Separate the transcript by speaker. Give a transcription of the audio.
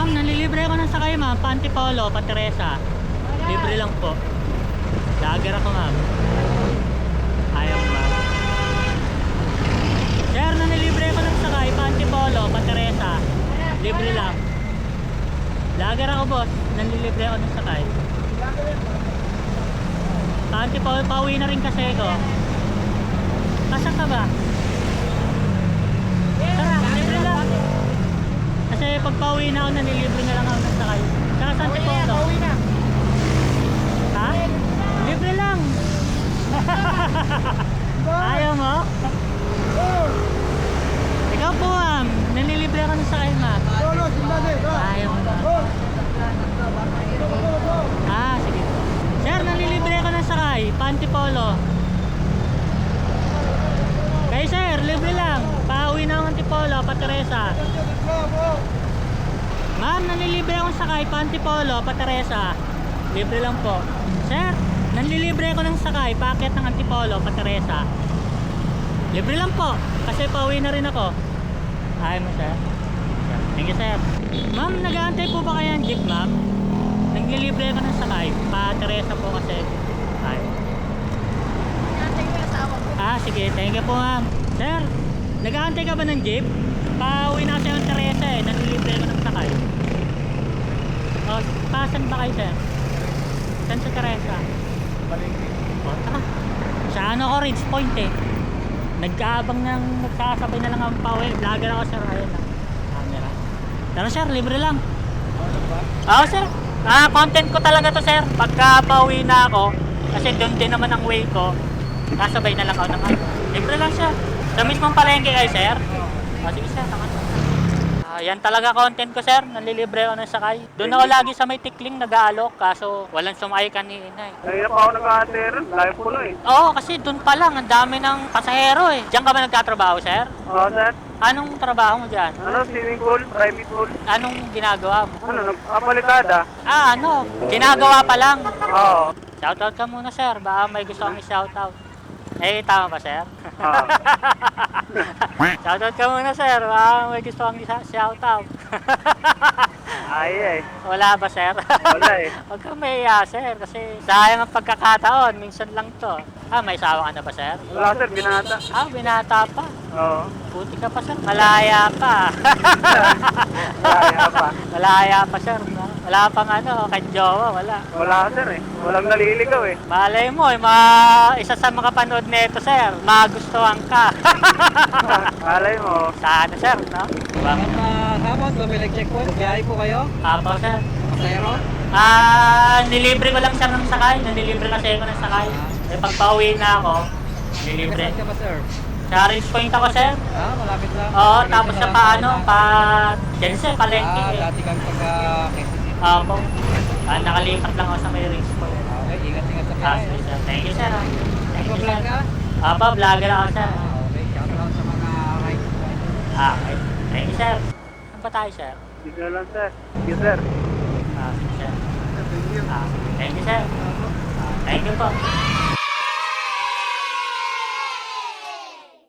Speaker 1: Ma'am, nalilibre ko ng sakay ma'am. Pantipolo, Pateresa. Libre lang po. Lager ako ma'am. Ayaw mo ma'am. Sir, nalilibre ko ng sakay. Pantipolo, Pateresa. Libre lang. Lager ako boss. Nalilibre ako ng sakay. Pantipolo, pauwi na rin kasi ko. Asa ka ba? Tara, libre lang. Kasi pag pauwi na ako, nanilibre na lang ako ng sakay. Saka saan si Polo? Pauwi na. Ha? Libre lang. Ayaw mo? Ikaw po ma'am, nanilibre ako ng sakay ma'am. Ayaw mo ma'am. Ah, sige po. Sir, nanilibre ako ng sakay. Pantipolo. Kay sir, libre lang. Pauwi na ako ng Antipolo, Pateresa. Ma'am, nanilibre akong sakay, Pantipolo, Pateresa. Libre lang po. Sir, nanlilibre ako ng sakay, packet ng Antipolo, Pateresa. Libre lang po, kasi pauwi na rin ako. Ayaw mo sir? Thank you sir. Ma'am, nag-aantay po ba kayo ng jeep ma'am? Nanlilibre ako ng sakay, Pateresa po kasi. Ayaw. Ah, sige. Thank you po, ma'am. Sir, nag-aantay ka ba ng jeep? Pauwi na kasi yung Teresa eh. Nanlilibre ko ng sakay. O, pasan ba kayo, sir? Saan sa Teresa?
Speaker 2: Palengke.
Speaker 1: O, taka. Sa ano ko, Ridge Point eh. Nag-aabang ng nagsasabay na lang ang pauwi. Vlogger ako, sir. Ayun lang. Camera. Pero, sir, libre lang.
Speaker 2: Ano ba?
Speaker 1: Oo, sir. Content ko talaga to, sir. Pagka pauwi na ako, kasi doon din naman ang way ko. Kasabay na lang ako ng ano. Libre lang siya. Sa mismong palengke kayo, sir? O, sige, sir. Yan talaga content ko, sir. Nalilibre ako ng sakay. Doon ako lagi sa may tikling nag-aalok. Kaso walang sumakay kanina eh.
Speaker 2: Kaya pa ako nag-aater. Live ko lang eh.
Speaker 1: Oo, kasi doon pa lang. Ang dami ng pasahero eh. Diyan ka ba nagtatrabaho, sir?
Speaker 2: Oo, sir.
Speaker 1: Anong trabaho mo dyan?
Speaker 2: Ano, swimming pool, private pool.
Speaker 1: Anong ginagawa mo?
Speaker 2: Ano, nagpapalikada.
Speaker 1: Ano? Ginagawa pa lang.
Speaker 2: Oo.
Speaker 1: Shoutout ka muna, sir. Baka may gusto kong i-shoutout. Eh, tama ba, sir?
Speaker 2: Oo.
Speaker 1: Shoutout ka muna, sir. Baka may gusto kong i-shoutout.
Speaker 2: Ay,
Speaker 1: Wala ba, sir?
Speaker 2: wala eh.
Speaker 1: Huwag kang mahiya, sir. Kasi sayang ang pagkakataon. Minsan lang to. May sawa ka na ba, sir?
Speaker 2: Wala, sir, binata.
Speaker 1: Binata pa.
Speaker 2: Oo.
Speaker 1: Buti ka pa, sir. Malaya pa.
Speaker 2: Kaya pa.
Speaker 1: Malaya pa, sir. Wala pang ano, kanjowa, wala.
Speaker 2: Wala, sir eh. Walang naliligaw eh.
Speaker 1: Malay mo, isa sa makapanood nito, sir, magustuhan ka.
Speaker 2: Malay mo.
Speaker 1: Sana, sir, no? Diba?
Speaker 3: Hapon, Bamilag Checkpoint. Biyahe po kayo?
Speaker 1: Apo, sir.
Speaker 3: Pasayro?
Speaker 1: Nilibre ko lang, sir, ng sakay. Nililibre kasi ako ng sakay. Eh, pag pauwi na ako, nilibre.
Speaker 3: Saan ka ba, sir?
Speaker 1: Sa Ridge Point ako, sir.
Speaker 3: Malapit lang.
Speaker 1: Oo, tapos sa dyan, sir, palengke.
Speaker 3: Dati kami pagka-Quezon City.
Speaker 1: Apo. Nakalipat lang ako sa may Ridge Point.
Speaker 3: Okay, ingat-ingat sa
Speaker 1: Ah,
Speaker 3: biyahe.
Speaker 1: sige, sir. Thank you, sir. Thank you,
Speaker 3: Nagpa-vlog
Speaker 1: sir.
Speaker 3: ka?
Speaker 1: Apo, vlogger ako, sir.
Speaker 3: Okay, shoutout sa mga rides.
Speaker 1: Okay. Thank you, sir. Saan pa tayo, sir?
Speaker 2: Sige lang, sir. Sige, sir.
Speaker 1: Sige, sir.
Speaker 2: Thank you.
Speaker 1: Thank you, sir. Thank you po.